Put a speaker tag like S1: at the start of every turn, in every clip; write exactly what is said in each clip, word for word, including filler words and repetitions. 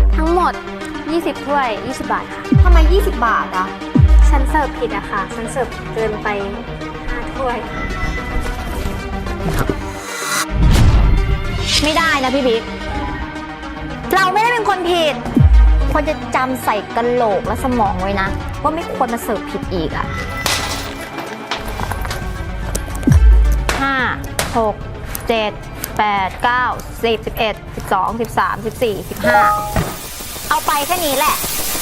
S1: ทั้งหมดยี่สิบถ้วยยี่สิบบาทค่ะ
S2: ทำไมยี่สิบบาทอะ
S1: ฉันเสิร์ฟผิดอะค่ะฉันเสิร์ฟเกินไปห้าถ้วย
S2: ไม่ได้นะพี่บิ๊กเราไม่ได้เป็นคนผิดควรจะจำใส่กระโหลกและสมองไว้นะว่าไม่ควรมาเสิร์ฟผิดอีกอะห้าหกเจ็ดแปดเก้าสิบสิบเอ็ดสิบสองสิบสามสิบสี่สิบห้าเอาไปแค่นี้แหละ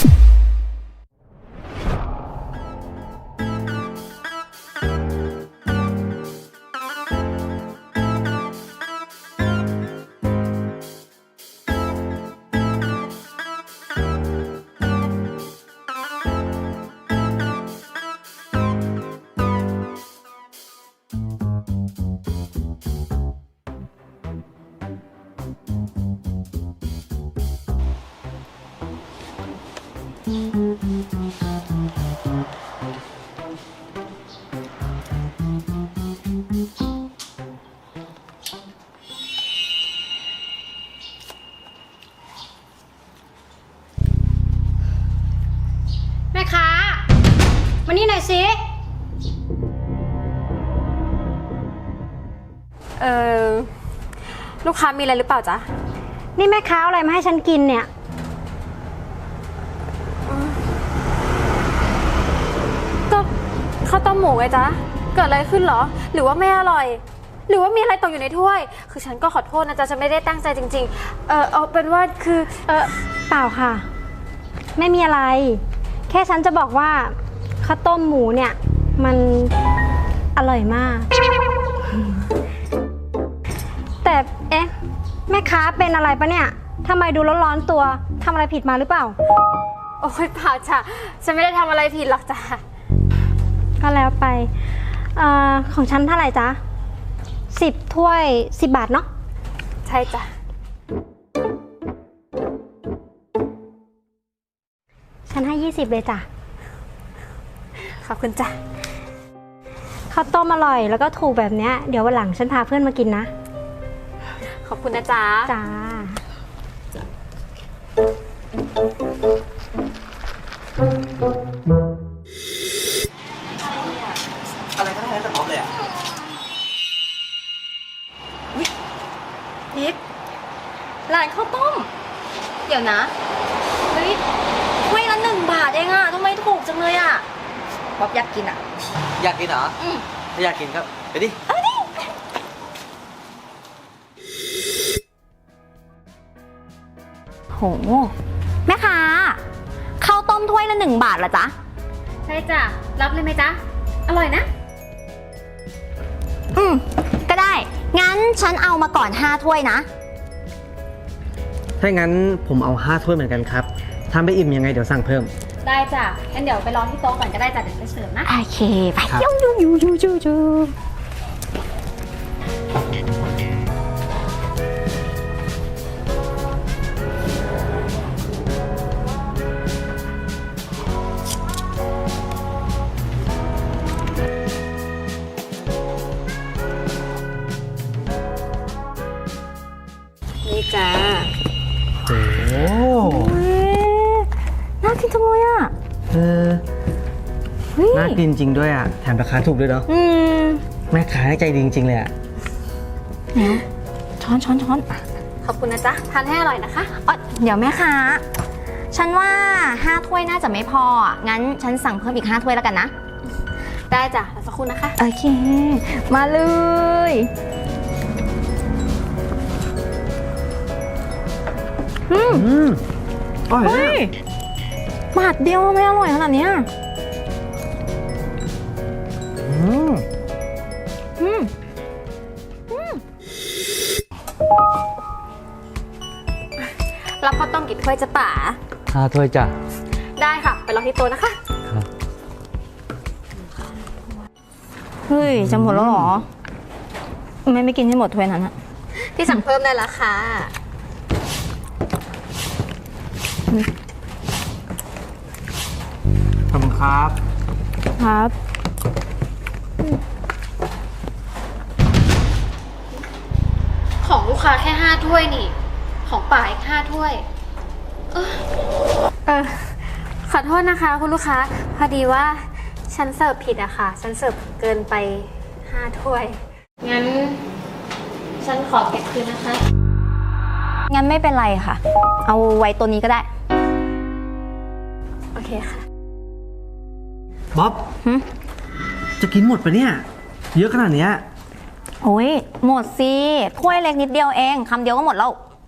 S3: แม่ค้ามานี่หน่อยสิ
S1: เออลูกค้ามีอะไรหรือเปล่าจ๊ะ
S3: นี่แม่ค้าเอาอะไรมาให้ฉันกินเนี่ย
S1: ก็ข้าวต้มหมูไงจ๊ะเกิดอะไรขึ้นเหรอหรือว่าไม่อร่อยหรือว่ามีอะไรตกอยู่ในถ้วยคือฉันก็ขอโทษนะจ๊ะฉันไม่ได้ตั้งใจจริงๆเออเอาเป็นว่าคือ
S3: เออเปล่าค่ะไม่มีอะไรแค่ฉันจะบอกว่าข้าวต้มหมูเนี่ยมันอร่อยมากแต่เอ๊ะแม่ค้าเป็นอะไรปะเนี่ยทำไมดูร้อนๆตัวทำอะไรผิดมาหรือเปล่า
S1: โอ้ยเปล่าจ้ะฉันไม่ได้ทำอะไรผิดหรอกจ้ะ
S3: ก็แล้วไปเอ่อของฉันเท่าไหร่จ๊ะสิบถ้วยสิบบาทเนาะ
S1: ใช่จ้ะ
S3: ฉันให้ยี่สิบเลยจ้ะ
S1: ขอบคุณจ้ะ
S3: ข้าวต้มอร่อยแล้วก็ถูกแบบเนี้ยเดี๋ยววันหลังฉันพาเพื่อนมากินนะ
S1: ขอบคุณนะจ๊ะ
S3: จ้า
S4: อะไรก็ได้แต่พร้อมเลยอ่ะ
S2: นิกร้านข้าวต้มเดี๋ยวนะเฮ้ยถ้วยละหนึ่งบาทเองอะทำไมถูกจังเลยอะป๊อบอยากกินอะ
S4: อยากกินเหรอ
S2: อืม
S4: ถ้าอยากกินครับไปดิ
S2: เอาดิโหแม่ค้าข้าวต้มถ้วยละหนึ่งบาทเหรอจ๊ะ
S1: ใช่จ้ะรับเลยไหมจ๊ะอร่อยนะ
S2: อืมก็ได้งั้นฉันเอามาก่อนห้าถ้วยนะ
S4: ถ้างั้นผมเอาห้าถ้วยเหมือนกันครับถ้าไม่อิ่มยังไงเดี๋ยวสั่งเพิ่ม
S1: ได้จ้ะงั้นเดี๋ยวไปรอที่โต๊ะก่อนก็ได้จ้ะเดี๋ยวไปเสิร์ฟนะ
S2: โอเคไปยูยูยูยูยูยู
S1: นี่จ้า
S4: โอ้
S2: น่ากินจังเลยอ่ะ
S4: เออน่ากินจริงด้วยอ่ะแถมราคาถูกด้วยเนาะ
S2: อืม
S4: แม่ค้าใจดีจริงๆเลยอ่ะ
S2: เนี่ยช้อนช้อนช้อน
S1: ขอบคุณนะจ๊ะทานให้อร่อยนะคะ
S2: อ๋อเดี๋ยวแม่ค้าฉันว่าห้าถ้วยน่าจะไม่พองั้นฉันสั่งเพิ่มอีกห้าถ้วยแล้วกันนะ
S1: ได้จ้ะรอสักครู่นะคะ
S2: โอเคมาเลยอืม
S4: อืมอร่อย
S2: บาทเดียวไม่อร่อยขนาดนี้
S4: อืม
S2: อืมอืม
S1: รับข้าวต้มกี่ถ้วยจะป๋า
S4: ห้าถ้วยจ้ะ
S1: ได้ค่ะไปรอที่โต๊ะนะคะ
S4: ครับ
S2: เฮ้ยจะหมดแล้วเหรอไม่ไม่กินให้หมดถ้วยนั้นอะ
S1: ที่สั่งเพิ่มได้ละค่ะ
S4: ขอบคุณครับ
S2: ครับ
S1: ของลูกค้าแค่ห้าถ้วยนี่ของป๋าอีกห้าถ้วยเออขอโทษนะคะคุณลูกค้า พอดีว่าฉันเสิร์ฟผิดอะค่ะ ฉันเสิร์ฟเกินไปห้าถ้วย งั้น ฉันขอเก็บคืนนะคะ
S2: งั้นไม่เป็นไรค่ะ เอาไว้ตัวนี้ก็ได้
S1: โอเคค่ะ
S4: บ๊อบ
S2: หึ
S4: จะกินหมดปะเนี่ย เยอะขนาดเนี้ย
S2: โอ้ยหมดสิถ้วยเล็กนิดเดียวเองคำเดียวก็หมดแล้ว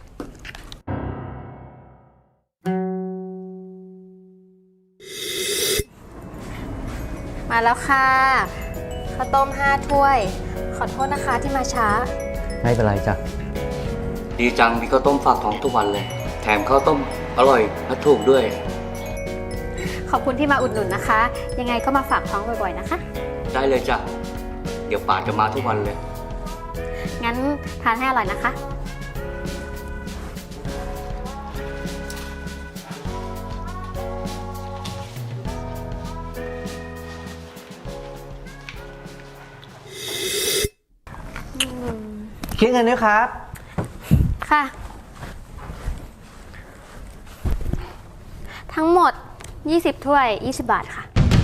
S1: มาแล้วค่ะข้าวต้มห้าถ้วย ขอโทษนะคะที่มาช้า
S4: ไม่เป็นไรจ้ะ
S5: ดีจังมีข้าวต้มฝากท้องทุกวันเลย แถมข้าวต้มอร่อยและถูกด้วย
S1: ขอบคุณที่มาอุดหนุนนะคะ ยังไงก็มาฝากท้องบ่อยๆนะคะ
S5: ได้เลยจ้ะ เดี๋ยวป่าจะมาทุกวันเลย
S1: งั้นทานให้อร่อยนะคะ
S4: คิดเงินด้วยครับ
S1: ค่ะ ทั้งหมด ยี่สิบถ้วย ยี่สิบบาทค่ะ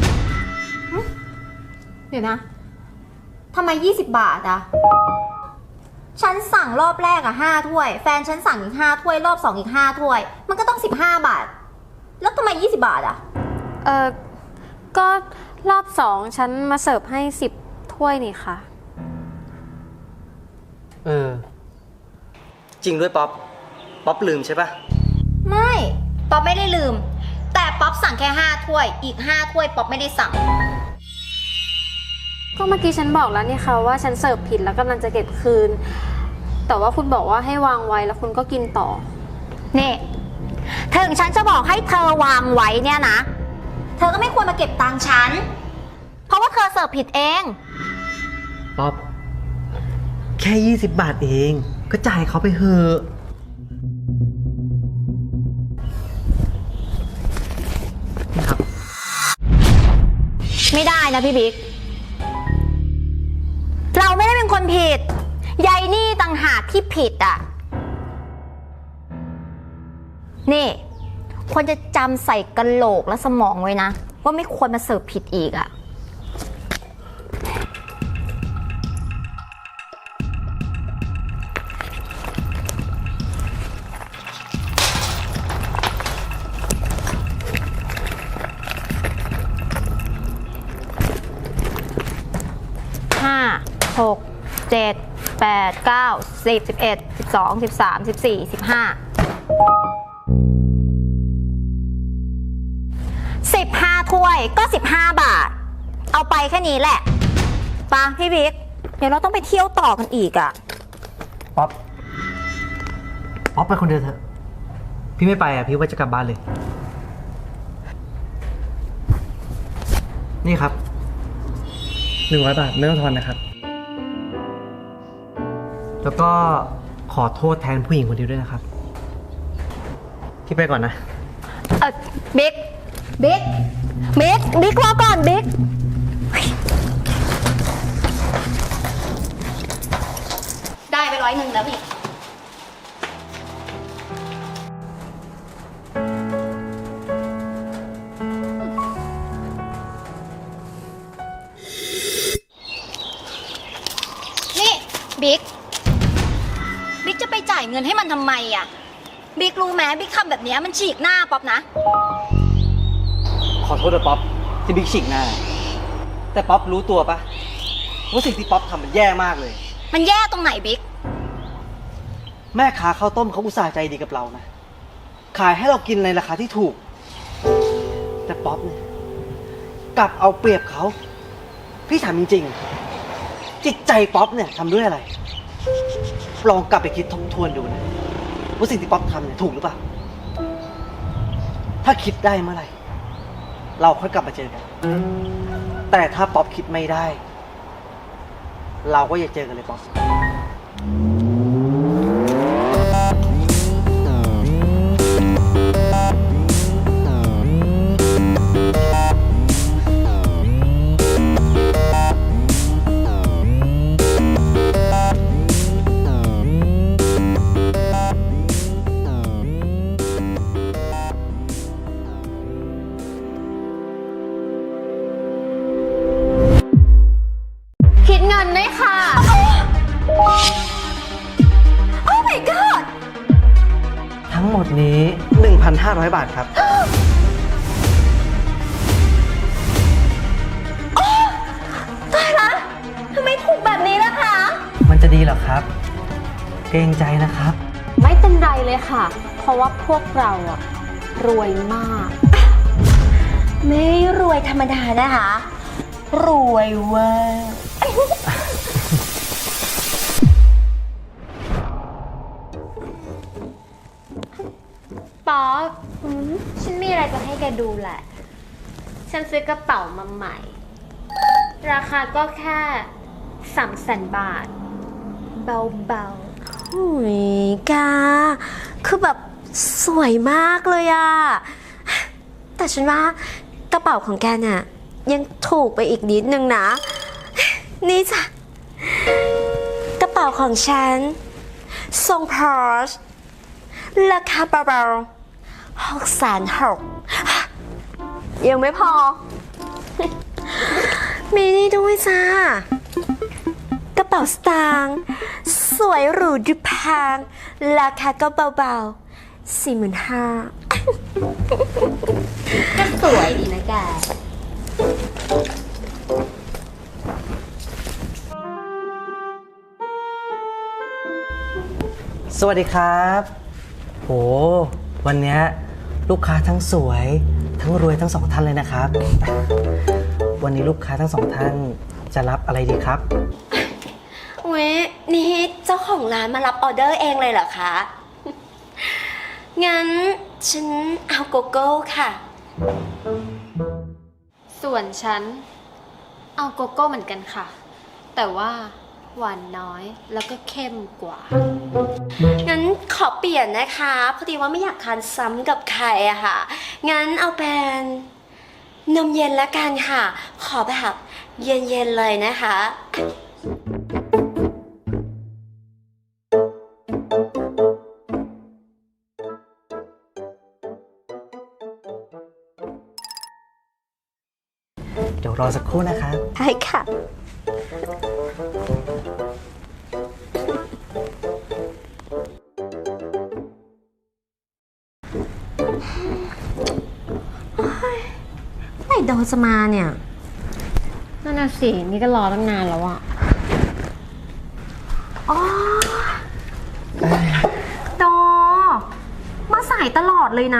S2: เดี๋ยวนะ ทำไมยี่สิบบาทอะฉันสั่งรอบแรกอะห้าถ้วย แฟนฉันสั่งอีกห้าถ้วย รอบสองอีกห้าถ้วย มันก็ต้องสิบห้าบาท แล้วทำไมยี่สิบบาทอะ
S1: เออก็รอบสองฉันมาเสิร์ฟให้สิบถ้วยนี่ค่ะ
S4: เออ จริงด้วยป๊อป ป๊อปลืมใช่ปะ
S2: ไม่ ป๊อปไม่ได้ลืม แต่ป๊อปสั่งแค่ห้าถ้วย อีกห้าถ้วยป๊อปไม่ได้สั่ง
S1: ก็เมื่อกี้ฉันบอกแล้วนี่ค่ะว่าฉันเสิร์ฟผิดแล้วกำลังจะเก็บคืน แต่ว่าคุณบอกว่าให้วางไว้แล้วคุณก็กินต่อ
S2: นี่ถึงฉันจะบอกให้เธอวางไว้เนี่ยนะ เธอก็ไม่ควรมาเก็บตังค์ฉัน เพราะว่าเธอเสิร์ฟผิดเอง
S4: ป๊อป แค่ยี่สิบบาทเอง ก็จ่ายเขาไปเถอะนี่ครับ
S2: ไม่ได้นะพี่บิ๊ก เราไม่ได้เป็นคนผิดยายนี่ต่างหากที่ผิดอ่ะ นี่ควรจะจำใส่กะโหลกและสมองไว้นะ ว่าไม่ควรมาเสิร์ฟผิดอีกอ่ะ ห้า หก เจ็ด แปด เก้า สิบ สิบเอ็ด สิบสอง สิบสาม สิบสี่ สิบห้า สิบห้าถ้วยก็สิบห้าบาท เอาไปแค่นี้แหละปะพี่บิ๊ก เดี๋ยวเราต้องไปเที่ยวต่อกันอีกอะ
S4: ป๊อป ป๊อปไปคนเดียวเถอะ พี่ไม่ไปอ่ะ พี่ว่าจะกลับบ้านเลย นี่ครับหนึ่งร้อยบาทไม่ต้องทอนนะครับ แล้วก็ขอโทษแทนผู้หญิงคนนี้ด้วยนะครับ พี่ไปก่อนนะ
S2: เออบิ๊ก บิ๊ก บิ๊ก บิ๊กรอก่อนบิ๊ก ได้ไปร้อยหนึ่งแล้วพี่ นี่บิ๊ก บิ๊กจะไปจ่ายเงินให้มันทำไมอ่ะ บิ๊กรู้ไหมบิ๊กทำแบบเนี้ยมันฉีกหน้าป๊อปนะ
S4: ขอโทษนะป๊อปที่บิ๊กฉีกหน้า แต่ป๊อปรู้ตัวปะว่าสิ่งที่ป๊อปทำมันแย่มากเลย
S2: มันแย่ตรงไหนบิ๊ก
S4: แม่ค้าข้าวต้มเขาอุตส่าห์ใจดีกับเรานะ ขายให้เรากินในราคาที่ถูก แต่ป๊อปเนี่ยกลับเอาเปรียบเขา พี่ถามจริงๆ จิตใจป๊อปเนี่ยทำด้วยอะไร ลองกลับไปคิดทบทวนดูนะว่าสิ่งที่ป๊อปทำเนี่ยถูกหรือเปล่า ถ้าคิดได้เมื่อไหร่ เราค่อยกลับมาเจอกัน แต่ถ้าป๊อปคิดไม่ได้ เราก็อย่าเจอกันเลยป๊อปนี้ หนึ่งพันห้าร้อย บาทครับ
S2: ตายละทำไมถูกแบบนี้ล่ะคะ
S4: มันจะดีเหรอครับ เกรงใจนะครับ
S1: ไม่เป็นไรเลยค่ะ เพราะว่าพวกเราอะรวยมาก
S2: ไม่รวยธรรมดานะคะ รวยเวอร์
S1: ป๊อปฉันมีอะไรจะให้แกดูแหละ ฉันซื้อกระเป๋ามาใหม่ ราคาก็แค่สามแสนบาท เบา
S2: โอ้ยกาคือแบบสวยมากเลยอะแต่ฉันว่ากระเป๋าของแกเนี่ยยังถูกไปอีกนิดนึงนะ นี่จ้ะกระเป๋าของฉันทรงพอร์ชราคาเบาๆหกแสนหกยังไม่พอ มีนี่ด้วยจ้ากระเป๋าสตางค์สวยหรูดูแพงราคาก็เบาๆสี่หมื่นห้าก็สวยดีนะแก
S4: สวัสดีครับโหวันเนี้ยลูกค้าทั้งสวยทั้งรวยทั้งสองท่านเลยนะครับ วันนี้ลูกค้าทั้งสองท่านจะรับอะไรดีครับ
S2: เว้ยนี่เจ้าของร้านมารับออเดอร์เองเลยเหรอคะ งั้นฉันเอาโกโก้ค่ะ
S1: ๆ ส่วนฉัน เอาโกโก้เหมือนกันค่ะ แต่ว่าหวานน้อยแล้วก็เข้มกว่า
S2: งั้นขอเปลี่ยนนะคะ พอดีว่าไม่อยากทานซ้ำกับใครอะค่ะ งั้นเอาเป็นนมเย็นละกันค่ะ ขอแบบเย็นๆเลยนะคะ
S4: เดี๋ยวรอสักครู่นะครับ
S2: ใช่ค่ะ ไหนโดจะมาเนี่ย
S1: นั่นน่ะสิ นี่ก็รอตั้งนานแล้วอะ
S2: อ๋อโดมาสายตลอดเลยนะ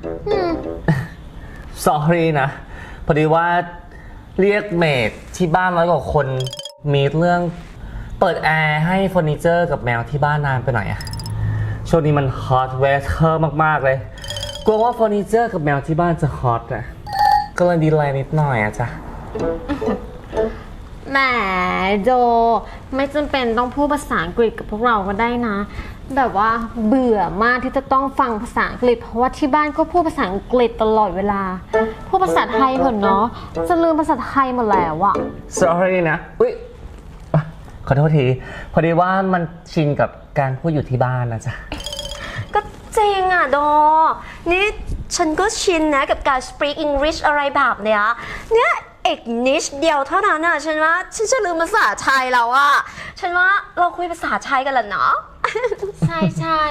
S6: sorry นะ พอดีว่าเรียกเมดที่บ้านร้อยกว่าคนมีเรื่องเปิดแอร์ให้เฟอร์นิเจอร์กับแมวที่บ้านนานไปหน่อยอะช่วงนี้มันฮอตเวเทอร์มากๆเลย กลัวว่าเฟอร์นิเจอร์กับแมวที่บ้านจะฮอตอะก็เลยดีเลย์นิดหน่อยอะจ้ะ
S1: แหมโจไม่จำเป็นต้องพูดภาษาอังกฤษกับพวกเราก็ได้นะ แบบว่าเบื่อมากที่จะต้องฟังภาษาอังกฤษ เพราะว่าที่บ้านก็พูดภาษาอังกฤษตลอดเวลา พูดภาษาไทยเถอะเนาะจะลืมภาษาไทยหมดแล้วอะ
S6: sorry นะอุ๊ยอ่ะขอโทษที พอดีว่ามันชินกับการพูดอยู่ที่บ้านนะจ๊ะ
S2: ก็จริงอ่ะโด นี่ฉันก็ชินนะกับการ speak English อะไรแบบเนี้ย เนี่ยเอกนิดเดียวเท่านั้นอ่ะ ฉันว่าฉันจะลืมภาษาไทยแล้วอ่ะ ฉันว่าเราคุยภาษาไทยกันแหละเนาะ
S1: ใช่ใช่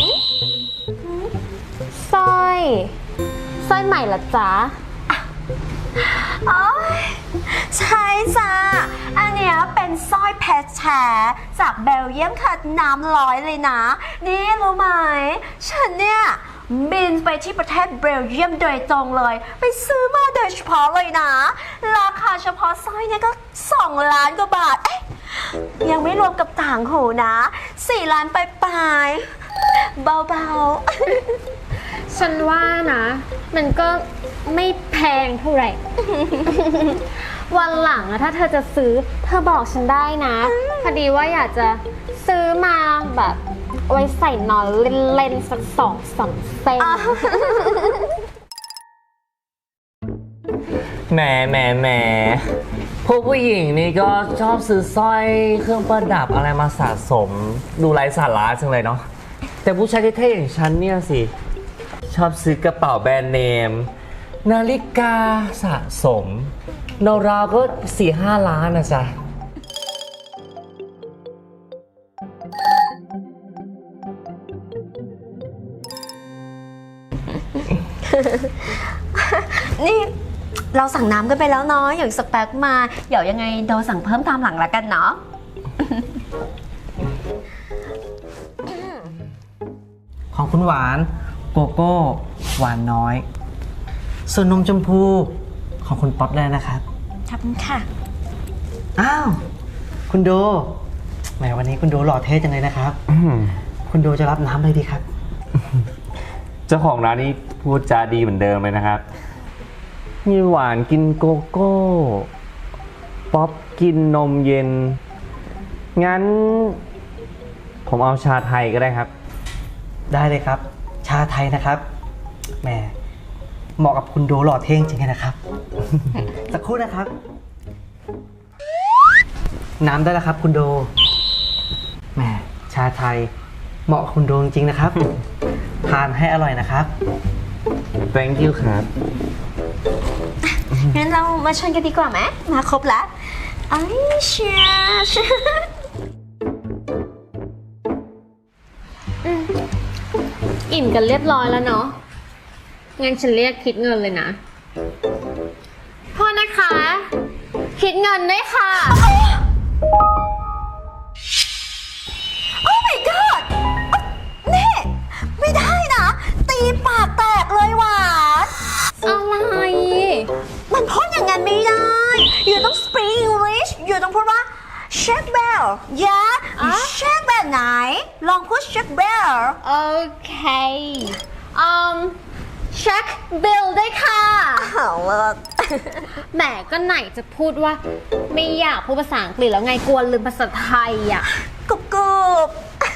S1: สร้อยสร้อยใหม่เหรอจ๊ะ
S2: อ๋อใช่จ้าอันเนี้ยเป็นสร้อยเพชรแท้จากเบลเยียมค่ะน้ำร้อยเลยนะ นี่รู้ไหม ฉันเนี่ยบินไปที่ประเทศเบลเยียมโดยตรงเลย ไปซื้อมาโดยเฉพาะเลยนะ ราคาเฉพาะสร้อยเนี่ยก็สองล้านกว่าบาท เอ๊ะยังไม่รวมกับต่างหูนะสี่ล้านปลายๆเบาๆ
S1: ฉันว่านะ มันก็ไม่แพงเท่าไหร่ วันหลังอะถ้าเธอจะซื้อเธอบอกฉันได้นะ พอดีว่าอยากจะซื้อมาแบบไว้ใส่นอนเล่นๆสักสองสามเส้น
S6: แหมแหมแหมพวกผู้หญิงนี่ก็ชอบซื้อสร้อยเครื่องประดับอะไรมาสะสม ดูไร้สาระจังเลยเนาะแต่ผู้ชายเท่ๆอย่างฉันเนี่ยสิ ชอบซื้อกระเป๋าแบรนด์เนม นาฬิกาสะสมราวๆก็สี่ห้าล้านนะจ๊ะ
S2: อนี่เราสั่งน้ำกันไปแล้วเนาะอย่างสเปคมาเดี๋ยวยังไงโดสั่งเพิ่มตามหลังละกันเนาะ
S4: ของคุณหวานโกโก้หวานน้อย ส่วนนมชมพูของคุณป๊อปได้นะครับ
S2: ขอบคุณค่ะ
S4: อ้าว คุณโดแหมวันนี้คุณโดหล่อเท่จังเลยนะครับ
S6: อืม
S4: คุณโดจะรับน้ำอะไรดีครับ
S6: เจ้าของร้านนี้พูดจาดีเหมือนเดิมเลยนะครับ มีหวานกินโกโก้ ป๊อปกินนมเย็น งั้น ผมเอาชาไทยก็ได้ครับ
S4: ได้เลยครับ ชาไทยนะครับแหมเหมาะกับคุณโดหล่อเท่จริงๆนะครับ สักครู่นะครับ น้ำได้แล้วครับ คุณโดแหมชาไทย เหมาะกับคุณโดจริงๆนะครับ ทานให้อร่อยนะครับ
S6: thank you ครับ
S2: งั้นเรามาชนกันดีกว่าไหมมาครบแล้วไอ้เชียร์
S1: อิ่มกันเรียบร้อยแล้วเนาะ งั้นฉันเรียกคิดเงินเลยนะโทษนะคะ คิดเงินด้วยค่ะ
S2: โอ้ my god นี่ไม่ได้นะ ตีปากแตกเลยหวาน
S1: อะไร
S2: มันพูดอย่างนั้นไม่ได้ อยู่ต้อง speak English อยู่ต้องพูดว่า check bell yeah check bell ไหน ลองพูด check bell
S1: โอเคอืมเช็คบิลด้วยค่ะ
S2: เอาละ
S1: แหมก็ไหนจะพูดว่า ไม่อยากพูดภาษาอังกฤษแล้วไงกลัวลืมภาษาไทยอ่ะ
S2: กรุบกรุบ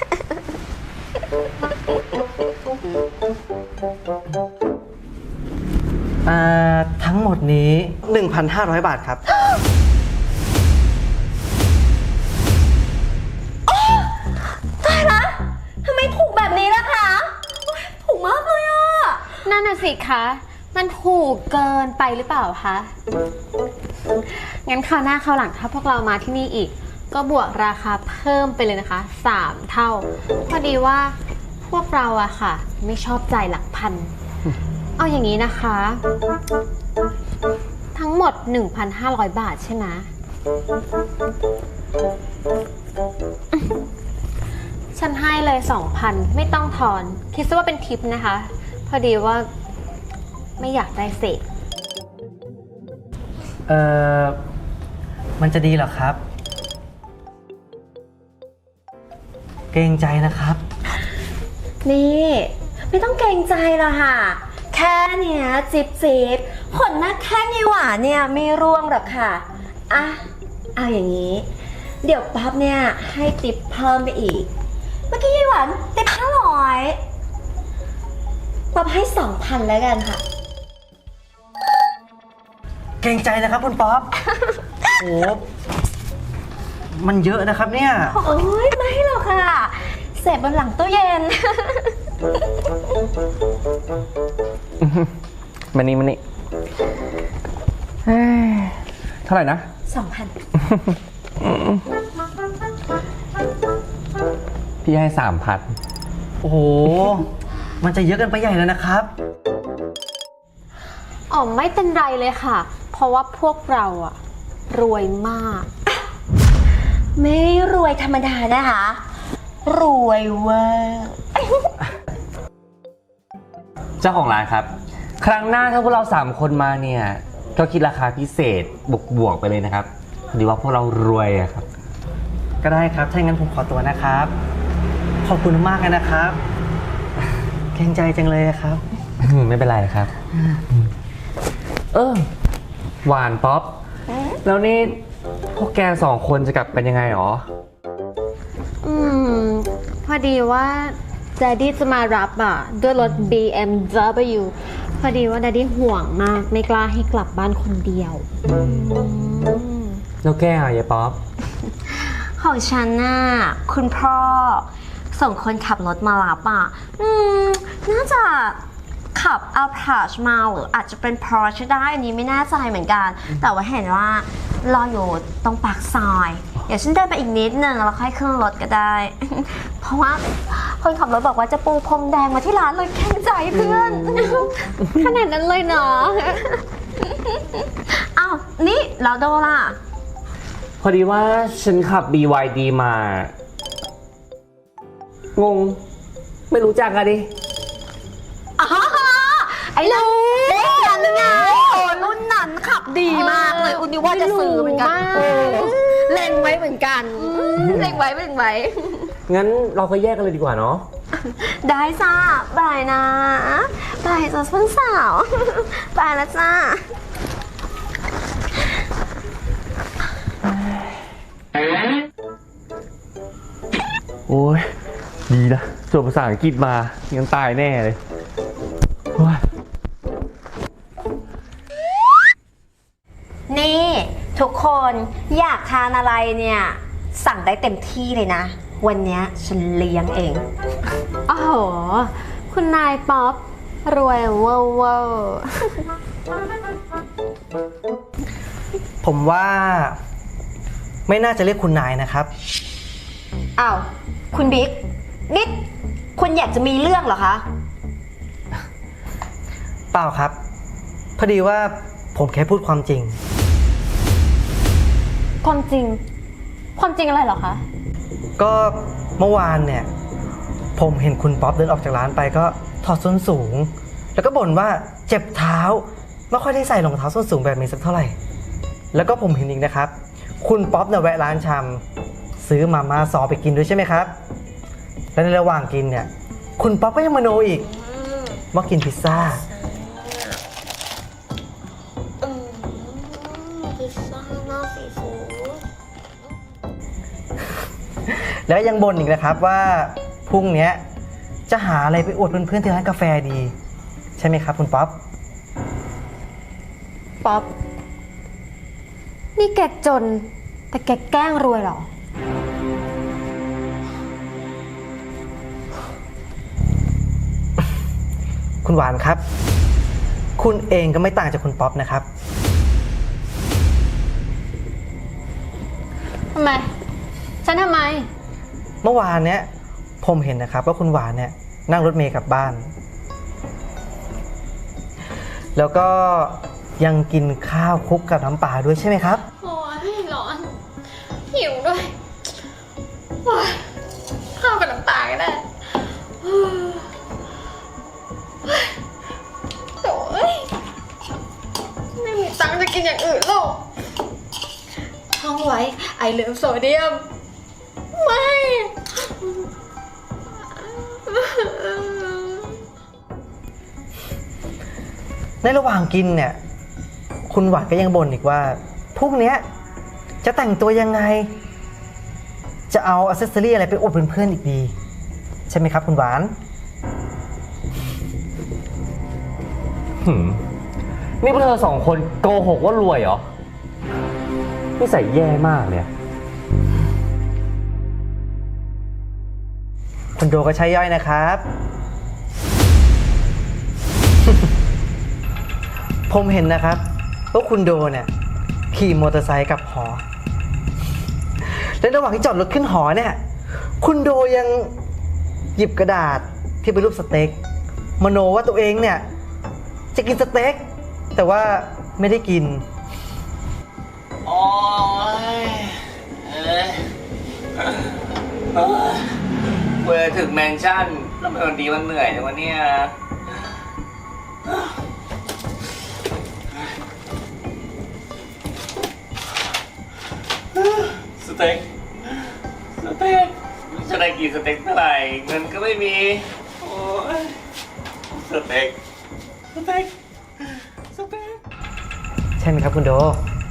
S4: อ่าทั้งหมดนี้ หนึ่งพันห้าร้อย บาทครับ
S2: ตายละทำไมถูกแบบนี้ล่ะคะโอ๊ยถูกมากเลยอ่ะ
S1: นั่นน่ะสิคะ มันถูกเกินไปหรือเปล่าคะ งั้นคราวหน้าคราวหลังถ้าพวกเรามาที่นี่อีก ก็บวกราคาเพิ่มไปเลยนะคะ สามเท่า พอดีว่าพวกเราอะค่ะ ไม่ชอบจ่ายหลักพัน เอาอย่างนี้นะคะ ทั้งหมด หนึ่งพันห้าร้อย บาทใช่ไหม ฉันให้เลย สองพัน ไม่ต้องทอน คิดซะว่าเป็นทิปนะคะ พอดีว่าไม่อยากได้เศษ
S4: เอ่อ มันจะดีเหรอครับ เกรงใจนะครับ
S2: นี่ไม่ต้องเกรงใจหรอกค่ะ แค่เนี้ยจิบจิบขนหน้าแข้งยี่หวานเนี่ยไม่ร่วงหรอกค่ะ อ่ะ เอาอย่างนี้ เดี๋ยวป๊อปเนี่ยให้ติปเพิ่มไปอีก เมื่อกี้ยี่หวานติปห้าร้อยป๊อปให้สองพันแล้วกันค่ะ
S4: เกรงใจนะครับคุณป๊อป โอ้มันเยอะนะครับเนี่ย
S2: โอ้ยไม่หรอกค่ะ เสพบนหลังตู้เย็น
S6: มานี่มานี่เฮ้ยเท่าไหร่นะ
S2: สองพัน
S6: พี่ให้สามพัน
S4: โอ้โห มันจะเยอะเกันไปใหญ่แล้วนะครับ
S1: อ๋อไม่เป็นไรเลยค่ะ เพราะว่าพวกเราอะรวยมาก
S2: ไม่ได้รวยธรรมดานะคะ รวยเวอร์
S6: เจ้าของร้านครับ ครั้งหน้าถ้าพวกเราสามคนมาเนี่ย ก็คิดราคาพิเศษบวกบวกๆไปเลยนะครับพอดีว่าพวกเรารวยอะครับ
S4: ก็ได้ครับ ถ้าอย่างนั้นผมขอตัวนะครับ ขอบคุณมากเลยนะครับ เกรงใจจังเลยครับ
S6: ไม่เป็นไรครับ เออ หวานป๊อป แล้วนี่พวกแกสองคนจะกลับเป็นยังไงหรอ
S1: อืม พอดีว่า d ดดดี้จะมารับอ่ะ ด้วยรถ บี เอ็ม ดับเบิลยู พอดีว่า d ดดดี้ห่วงมาก ไม่กล้าให้กลับบ้านคนเดียวอืม
S6: แล้วแกอ่ะยายป๊อป
S2: ของฉันน่ะคุณพ่อส่งคนขับรถมารับอ่ะ อืม น่าจะขับ Alphard มาหรืออาจจะเป็น Porsche ได้อันนี้ไม่แน่ใจเหมือนกัน แต่ว่าเห็นว่ารออยู่ตรงปากซอย เดี๋ยวฉันเดินไปอีกนิดนึงแล้วค่อยขึ้นรถก็ได้ เพราะว่าคนขับรถบอกว่าจะปูพรมแดงมาที่ร้านเลยแข่งใจเพื่อน
S1: ขนาดนั้นเลยเนาะ
S2: อ้าว นี่แล้วโดล่ะ
S6: พอดีว่าฉันขับ บี วาย ดี มา งง ไม่รู้จักอะดิ
S2: อ๋อ ไอ้รุ่นนั้นไงโอ้รุ่นนั้นขับดีมากเลย อุนนี่ว่าจะซื้อเหมือนกัน
S1: เออ
S2: เล็งไว้เหมือนกันเล็งไว้เล็งไว้
S6: งั้นเราก็แยกกันเลยดีกว่าเนาะ
S2: ได้จ้าบายนะบายจ้าเพื่อนสาวบายแล้วจ้า
S6: โอ้ยดีนะจบภาษาอังกฤษมายังตายแน่เลยโอ้ย
S2: นี่ทุกคนอยากทานอะไรเนี่ย สั่งได้เต็มที่เลยนะ วันเนี้ยฉันเลี้ยงเอง
S1: โอ้โห คุณนายป๊อป รวยเวอร์เวอร์
S4: ผมว่าไม่น่าจะเรียกคุณนายนะครับ
S2: อ้าว คุณบิ๊กนิดคุณอยากจะมีเรื่องเหรอคะ
S4: เปล่าครับ พอดีว่าผมแค่พูดความจริง
S1: ความจริง ความจริงอะไรเหรอคะ
S4: ก็เมื่อวานเนี่ย ผมเห็นคุณป๊อปเดินออกจากร้านไปก็ถอดส้นสูง แล้วก็บ่นว่าเจ็บเท้าไม่ค่อยได้ใส่รองเท้าส้นสูงแบบนี้สักเท่าไหร่ แล้วก็ผมเห็นอีกนะครับ คุณป๊อปเนี่ยแวะร้านชำซื้อมาม่าซอไปกินด้วยใช่ไหมครับ และในระหว่างกินเนี่ย คุณป๊อปก็ยังมโนอีกว่ากินพิซซ่า
S2: พิซซ่าหน้าซีฟู้ด
S4: แล้วยังบ่นอีกนะครับว่าพรุ่งนี้จะหาอะไรไปอวดเพื่อนๆที่ร้านกาแฟดี ใช่ไหมครับคุณป๊อป
S1: ป๊อป นี่แกจน แต่แกแกล้งรวยเหรอ
S4: คุณหวานครับ คุณเองก็ไม่ต่างจากคุณป๊อปนะครับ
S1: ทำไม ฉันทำไม
S4: เมื่อวานเนี้ยผมเห็นนะครับว่าคุณหวานเนี่ยนั่งรถเมล์กลับบ้าน แล้วก็ยังกินข้าวคลุกกับน้ำปลาด้วยใช่ไหมครับ
S1: โอ้ยร้อน หิวด้วยโอ้ยข้าวกับน้ำปลาก็ได้โอ้ยไม่มีตังค์จะกินอย่างอื่นหรอกท่องไว้ไอเหลือโซเดียม ไม่
S4: ในระหว่างกินเนี่ยคุณหวานก็ยังบ่นอีกว่าพรุ่งนี้จะแต่งตัวยังไง จะเอาอ c เซสซอรี่อะไรไปอวดเพื่อนๆอีกดี ใช่ไหมครับคุณหวาน
S6: หืมนี่พวกเธอสองคนโกหกว่ารวยเหรอนิสัยแย่มากเลย
S4: คุณโดก็ใช้ย่อยนะครับ ผมเห็นนะครับว่าคุณโดเนี่ยขี่มอเตอร์ไซค์กลับหอ และระหว่างที่จอดรถขึ้นหอเนี่ยคุณโดยังหยิบกระดาษที่เป็นรูปสเต็กมโนว่าตัวเองเนี่ยจะกินสเต็กแต่ว่าไม่ได้กิน
S5: โอ้ยเอ้ยเอ้ยเวลาถึงแมนชั่นแล้วมันวันดีมันเหนื่อยจังวะเนี่ยสเต็กสเต็กจะได้กินสเต็กเท่าไหร่เงินก็ไม่มีโอ้ยสเต็กสเต็กสเต็ก
S4: ใช่ไหมครับคุณโด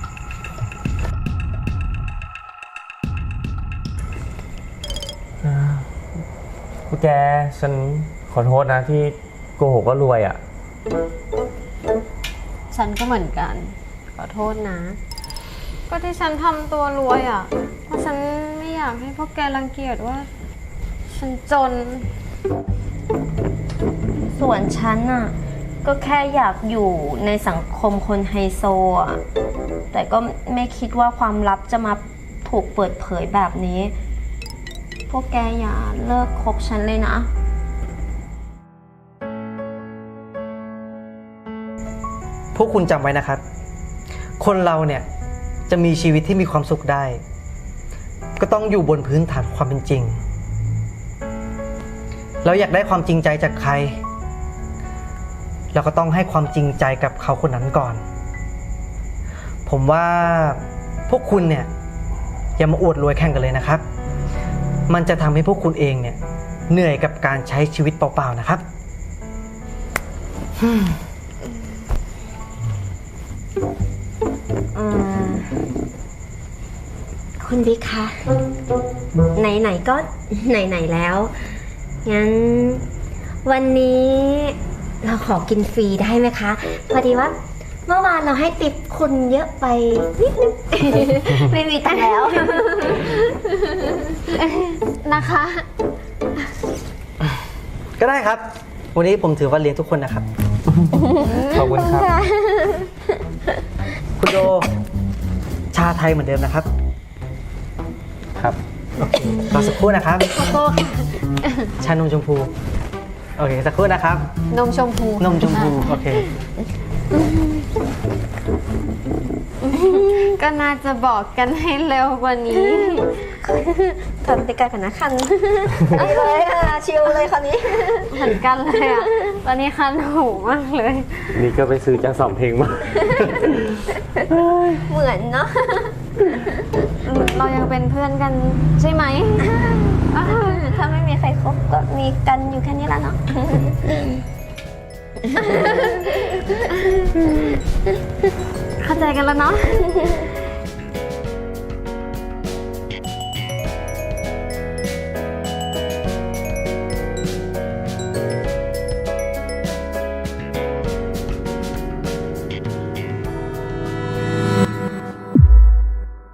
S6: พวกแกฉันขอโทษนะที่โกหกว่ารวยอ่ะ
S1: ฉันก็เหมือนกัน ขอโทษนะ ก็ที่ฉันทำตัวรวยอ่ะ เพราะฉันไม่อยากให้พวกแกรังเกียจว่า ฉันจน
S2: ส่วนฉันน่ะก็แค่อยากอยู่ในสังคมคนไฮโซอ่ะแต่ก็ไม่คิดว่าความลับจะมาถูกเปิดเผยแบบนี้ พวกแกอย่าเลิกคบฉันเลยนะ
S4: พวกคุณจำไว้นะครับ คนเราเนี่ยจะมีชีวิตที่มีความสุขได้ ก็ต้องอยู่บนพื้นฐานความเป็นจริง เราอยากได้ความจริงใจจากใคร เราก็ต้องให้ความจริงใจกับเขาคนนั้นก่อน ผมว่าพวกคุณเนี่ยอย่ามาอวดรวยแข่งกันเลยนะครับ มันจะทำให้พวกคุณเองเนี่ยเหนื่อยกับการใช้ชีวิตเปล่าๆนะครับ
S2: เอ่อคุณบิ๊กคะ ไหนๆก็ไหนๆแล้ว งั้นวันนี้เราขอกินฟรีได้ไหมคะ พอดีว่าเมื่อวานเราให้ติปคุณเยอะไปนิดนึง ไม่มีตังค์แล้ว
S1: นะคะ
S4: ก็ได้ครับ วันนี้ผมถือว่าเลี้ยงทุกคนนะครับ
S6: ขอบคุณครับ
S4: คุณโด ชาไทยเหมือนเดิมนะครับ
S6: ครับ
S4: โอเครอสักครู่นะครับ
S1: โก้ค่ะ
S4: ชานมชมพู โอเค สักครู่นะครับ
S1: นมชมพู
S4: นมชมพู โอเค
S1: ก็น่าจะบอกกันให้เร็วกว่านี้
S2: ทำติกากันนะคัน ไปเลยค่ะ ชิลเลยคราวนี้
S1: เหมือนกันเลยอ่ะ ตอนนี้คันหูมากเลย
S6: นี่ก็ไปซื้อจังสองเพลงมา
S2: เหมือนเนาะ
S1: เรายังเป็นเพื่อนกันใช่ไหม
S2: ถ้าไม่มีใครคบก็มีกันอยู่แค่นี้แหละเนาะ
S1: เข้าใจกันแล้วเนาะ